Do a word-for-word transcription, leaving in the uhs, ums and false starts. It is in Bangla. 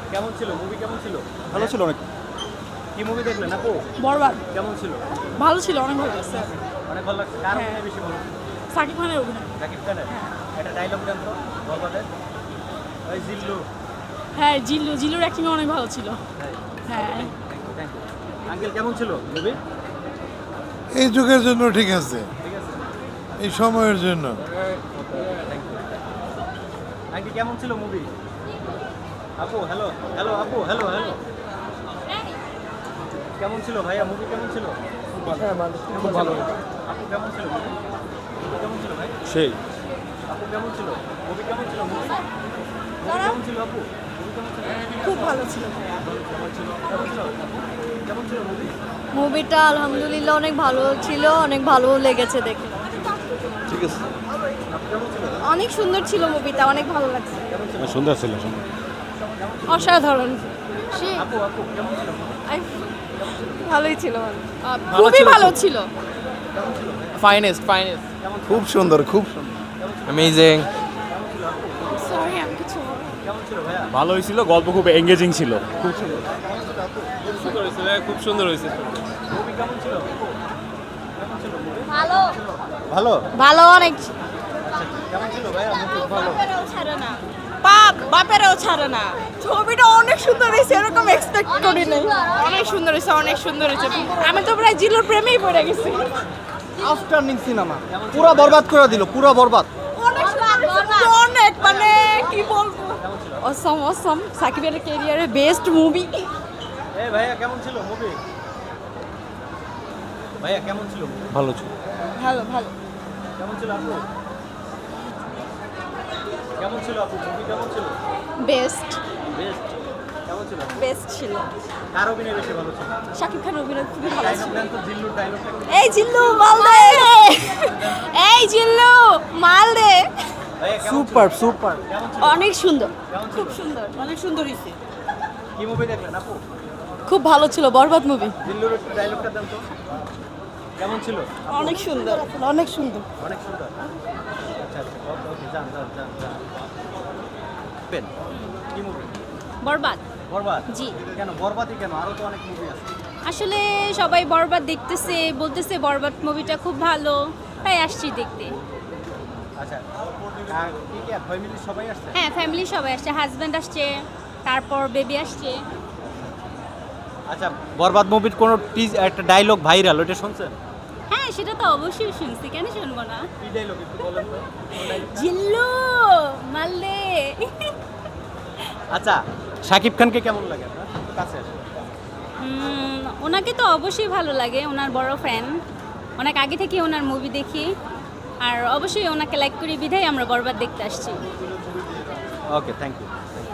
কেমন ছিল মুভি? কেমন ছিল? ভালো ছিল অনেক। কি মুভি দেখলেন আপু? বরবাদ কেমন ছিল? ভালো ছিল, অনেক ভালো লাগছে। অনেক ভালো লাগছে। কার হ্যাঁ। অভিনয় বেশি ভালো? সাকিব খানের অভিনয়। শাকিব খানের। একটা ডায়লগ দেন তো বরবাদের। ওই জিল্লু। হ্যাঁ, জিল্লু জিল্লুর অ্যাক্টিং অনেক ভালো ছিল। হ্যাঁ। Thank you. আঙ্কেল কেমন ছিল মুভি? এই যুগের জন্য ঠিক আছে, ঠিক আছে। এই সময়ের জন্য। Thank you. আঙ্কেল কেমন ছিল মুভি? আপু হ্যালো হ্যালো আপু হ্যালো হ্যালো কেমন ছিল ভাইয়া মুভি? কেমন ছিল? খুব ভালো। আপু কেমন ছিল মুভি? কেমন ছিল ভাই? সেই আপু কেমন ছিল মুভি? কেমন ছিল মুভি? মুভি কেমন ছিল আপু? মুভি কেমন ছিল? খুব ভালো ছিল। কেমন ছিল? কেমন ছিল? কেমন ছিল মুভি? মুভিটা আলহামদুলিল্লাহ অনেক ভালো ছিল, অনেক ভালো লেগেছে দেখে। ঠিক আছে, আপু কেমন ছিল? অনেক সুন্দর ছিল মুভিটা, অনেক ভালো লাগছে। সুন্দর ছিল সুন্দর। অসাধারণ। আপু আপু কেমন ছিল? ভালোই ছিল। খুবই ভালো ছিল। ফাইনেস্ট ফাইনেস্ট খুব সুন্দর, খুব সুন্দর। অ্যামেজিং। সরি আমি কিছু কেমন ছিল ভাইয়া? ভালো হয়েছিল, গল্প খুব এঙ্গেজিং ছিল। খুব সুন্দর। সুন্দর হয়েছে ভাই, খুব সুন্দর হয়েছে। মুভি কেমন ছিল? কেমন ছিল মুভি? ভালো ভালো। ভালো অনেক। কেমন ছিল ভাইয়া মুভি? ভালো। ছাড়ে না, বাপ বাপেরও ছাড়ে না। ছবিটা অনেক সুন্দর হয়েছে, এরকম এক্সপেক্ট করি নাই। অনেক সুন্দর হয়েছে, অনেক সুন্দর হয়েছে। আমি তো প্রায় জিল্লুর প্রেমেই পড়ে গেছি। আফটারনিং সিনেমা পুরো বরবাদ করে দিল, পুরো বরবাদ। অনেক সুন্দর, অনেক মানে কি বলবো, অসম অসম। সাকিবের ক্যারিয়ারের বেস্ট মুভি। এ ভাইয়া কেমন ছিল মুভি? ভাইয়া কেমন ছিল মুভি? ভালো ছিল। ভালো ভালো। কেমন ছিল আপু? কেমন ছিল আপু মুভি? কেমন ছিল? Best best. কেমন ছিল? বেস্ট ছিল। কার অভিনয় বেশি ভালো ছিল? শাকিব খানের অভিনয় খুবই ভালো ডায়লগ ছিল। দেন তো, জিল্লুর ডায়লগটা। এই জিল্লু মাল দে, এই জিল্লু মাল দে। ভাইয়া কেমন ছিল? Super super. কেমন ছিল? অনেক সুন্দর। কেমন ছিল? খুব সুন্দর, অনেক সুন্দর হয়েছে। কি মুভি দেখলেন আপু? খুব ভালো ছিল, বরবাদ মুভি। জিল্লুর একটু ডায়লগটা দেন তো। কেমন ছিল? অনেক সুন্দর, অনেক সুন্দর। অনেক সুন্দর। আচ্ছা আচ্ছা ওকে ওকে যান যান যান যান। পেন কি মুভি? বরবাদ। বরবাদ। জি। কেন বরবাদই কেন? আরো তো অনেক মুভি আছে। আসলে সবাই বরবাদ দেখতেছে, বলতেছে বরবাদ মুভিটা খুব ভালো, তাই আসছি দেখতে। আচ্ছা আর কি কি ফ্যামিলি সবাই আসছে? হ্যাঁ, ফ্যামিলি সবাই আসছে, হাজব্যান্ড আসছে, তারপর বেবি আসছে। আচ্ছা বরবাদ মুভির কোন টিজ একটা ডায়লগ ভাইরাল, ওটা শুনছেন? হ্যাঁ, সেটা তো অবশ্যই শুনছি, কেন শুনবো না। কি ডায়লগ একটু বলেন তো। জিল্লু মালদে। আচ্ছা শাকিব খানকে কেমন লাগে আপনার? একটু কাছে আসেন। উম, ওনাকে তো অবশ্যই ভালো লাগে, ওনার বড় ফ্যান, অনেক আগে থেকে ওনার মুভি দেখি, আর অবশ্যই ওনাকে লাইক করি বিধায় আমরা বরবাদ দেখতে আসছি। Okay thank you.